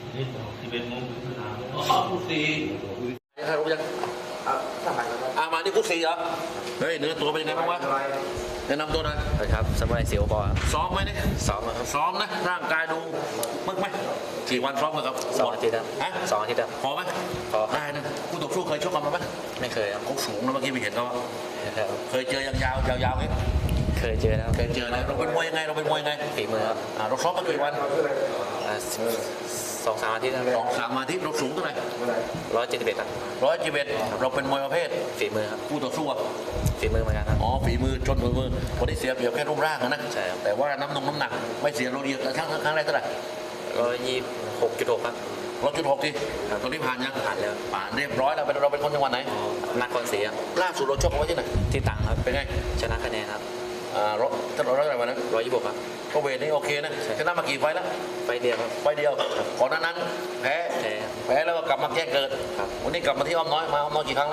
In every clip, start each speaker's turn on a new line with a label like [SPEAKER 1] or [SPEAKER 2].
[SPEAKER 1] นี่11 โมงถึงสนาม
[SPEAKER 2] คู่สี่ยังใครรู้ยังมานี่คู่สี่เหรอเฮ้ยเนื้อตัวเป็นยังไงบ้างวะแนะนำตัวหน่อย
[SPEAKER 3] ครับสมัยเสียวบอล
[SPEAKER 2] ซ้อมไหมเนี่ย
[SPEAKER 3] ซ้อมครับ
[SPEAKER 2] ซ้อมนะร่างกายดูมึกไหมกี่วันซ้อมกันครับ
[SPEAKER 3] 2 อาทิตย์ครับ
[SPEAKER 2] ฮะ
[SPEAKER 3] 2 อาทิตย์ครับ
[SPEAKER 2] พอไหม
[SPEAKER 3] พอ
[SPEAKER 2] ได้นะคู่ต่อสู้เคยชกกันมาไหม
[SPEAKER 3] ไม่เคยครับ
[SPEAKER 2] เขาสูงนะเมื่อกี้ไปเห็นเขา
[SPEAKER 3] ครับ
[SPEAKER 2] เคยเจอยังยาวยาวๆไหม
[SPEAKER 3] เคยเจอแล้ว
[SPEAKER 2] เคยเจอนะเราเป็นมวยยังไงเราเป็นมวยยังไง
[SPEAKER 3] ฝีมือครับ
[SPEAKER 2] เราซ้อมมากี่วัน
[SPEAKER 3] 2-3 อาทิตย์ครับ
[SPEAKER 2] 2-3 อาทิตย์เราสูงเท่าไหร่
[SPEAKER 3] 171ครับ
[SPEAKER 2] 111เราเป็นมวยประเภท
[SPEAKER 3] ฝีมือครับ
[SPEAKER 2] คู่ต่อสู้อะ
[SPEAKER 3] ฝีมือเหมือนกันครับ
[SPEAKER 2] อ๋อฝีมือชนมือวันนี้เสียเปรียบแค่รูปร่างนะ
[SPEAKER 3] ใช่ครับ
[SPEAKER 2] แต่ว่าน้ำหนักไม่เสียเราดีแต่ครั้งแรกเท่าไหร่
[SPEAKER 3] 126.6ครับ
[SPEAKER 2] 1.6ทีตอนนี้ผ่านยัง
[SPEAKER 3] ผ่านแล้ว
[SPEAKER 2] ผ่านเรียบร้อยแล้วเราเป็นคนจังหวัดไหน
[SPEAKER 3] นครศรีครับ
[SPEAKER 2] ล่าสุดเราชกเอาไว้ที่ไหน
[SPEAKER 3] ที่ตังครับ
[SPEAKER 2] เป็นไง
[SPEAKER 3] ชนะคะแนนครับ
[SPEAKER 2] รถถ้าเราได้อะไรมานะ
[SPEAKER 3] 126ครับ
[SPEAKER 2] ก็เวทนี่โอเคนะ
[SPEAKER 3] ใช่
[SPEAKER 2] ชนะมากี่ไฟล์แล้ว
[SPEAKER 3] ไฟเดียวครับ
[SPEAKER 2] ไฟล์เดียวก่อนหน้านั้นแพ้
[SPEAKER 3] แพ้ครับ
[SPEAKER 2] แล้วก็กลับมาแก้เกิด
[SPEAKER 3] ครับ
[SPEAKER 2] วันนี้กลับมาที่อ้อมน้อยมาอ้อมน้อยกี่ครั้งละ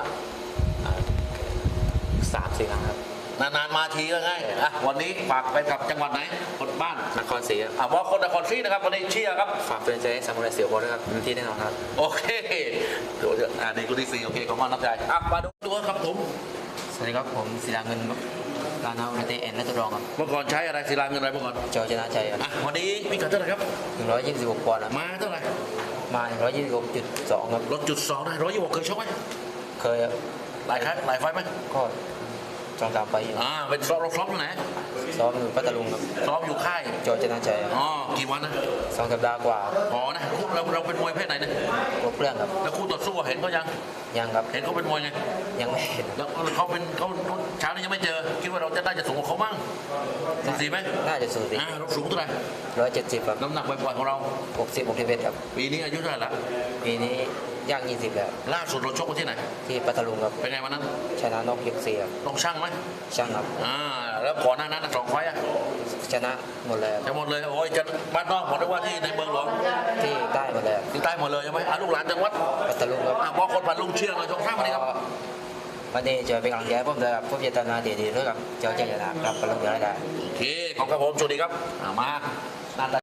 [SPEAKER 3] 3-4 ครั้งครับ
[SPEAKER 2] นานๆมาทีก็ง่ายอ่ะวันนี้ฝากไปกับจังหวัดไหนคนบ้าน
[SPEAKER 3] นครศรีครับ
[SPEAKER 2] บอกคนนครศรีนะครับวันนี้เชียร์ครับ
[SPEAKER 3] ฝากเป็นใจให้สมุไรเสียวบอลด้วยครับเต็มที่แน่นอนครับ
[SPEAKER 2] โอเคเดี๋ยวนี่กูที่สี่โอเคขอบคุณน้ำใจมาดูตัวครับผม
[SPEAKER 3] สวัสดีครับผมศิลาเงินการนาอุเตเอ็นและตัวรองครับ
[SPEAKER 2] เมื่อก่อนใช้อะไรศิลาเงินอะไรเมื่อก่อน
[SPEAKER 3] จอชนะชัยครับ
[SPEAKER 2] วันนี้มีกันเท่าไหร่ครับ
[SPEAKER 3] 126 ปอนด์ครับ
[SPEAKER 2] มาเท่าไหร่
[SPEAKER 3] มา 126.2 ครับ
[SPEAKER 2] รถจุดสองได้126เคยชกไหม
[SPEAKER 3] เคยครับ
[SPEAKER 2] หลายครั้งหลายไฟล์ไหม
[SPEAKER 3] ก็2-3 ไปอยู่
[SPEAKER 2] เป็นซ้อมที่ไหน
[SPEAKER 3] ซ้อมอยู่พัทลุงครับ
[SPEAKER 2] ซ้อมอยู่ค่าย
[SPEAKER 3] จอชนะชัยครับ
[SPEAKER 2] กี่วันนะ
[SPEAKER 3] 2 สัปดาห์กว่า
[SPEAKER 2] นะเราเป็นมวยเพศไหนเนี่ย
[SPEAKER 3] ครบเรื่องครับ
[SPEAKER 2] แล้วคู่ต่อสู้เห็นเขายัง
[SPEAKER 3] ยังครับ
[SPEAKER 2] เห็นเขาเป็นมวยไง
[SPEAKER 3] ยังไม่เห็น
[SPEAKER 2] แล้วเขาเช้านี้ยังไม่เจอคิดว่าเราจะได้จะสูงกว่าเขาบ้างสูสีไหม
[SPEAKER 3] น่าจะสูสี
[SPEAKER 2] เราสูงเท่าไหร่
[SPEAKER 3] 170ครับ
[SPEAKER 2] น้ำหนักปล่อยๆของเรา
[SPEAKER 3] 60 61ครับ
[SPEAKER 2] ปีนี้อายุเท่าไหร่ละ
[SPEAKER 3] ปีนี้ย่าง20แล้ว
[SPEAKER 2] ล่าสุดเราชกกันที่ไหน
[SPEAKER 3] ที่พัทลุงครับ
[SPEAKER 2] เป็นไงวันนั้น
[SPEAKER 3] ชนะนอกยก4ครับ
[SPEAKER 2] ต้องช่างไหม
[SPEAKER 3] ช่างครับ
[SPEAKER 2] แล้วก่อนหน้านั้น2 ไฟล์อะ
[SPEAKER 3] ชนะหมดเลยครับ
[SPEAKER 2] จะหมดเลยโอ้ยจะบ้านนอกหมดได้ว่าที่ในเมืองหลวง
[SPEAKER 3] ที่ใต้หมดเลยครับ
[SPEAKER 2] ที่ใต้หมดเลยใช่ไหมลูกหลานจังหวัด
[SPEAKER 3] พัทลุงครับ
[SPEAKER 2] บอกคนพันลุงเชียร์หน่อยชกข้ามวันนี้ครับ
[SPEAKER 3] วันนี้จะเป็นกำลังใจให้ผมด้วยครับผมจะทำงานดีๆด้วยครับเจ้าเจ้าชนะครับพัทลุงจะได้
[SPEAKER 2] โอเคขอบคุณครับผมสวัสดีครับมา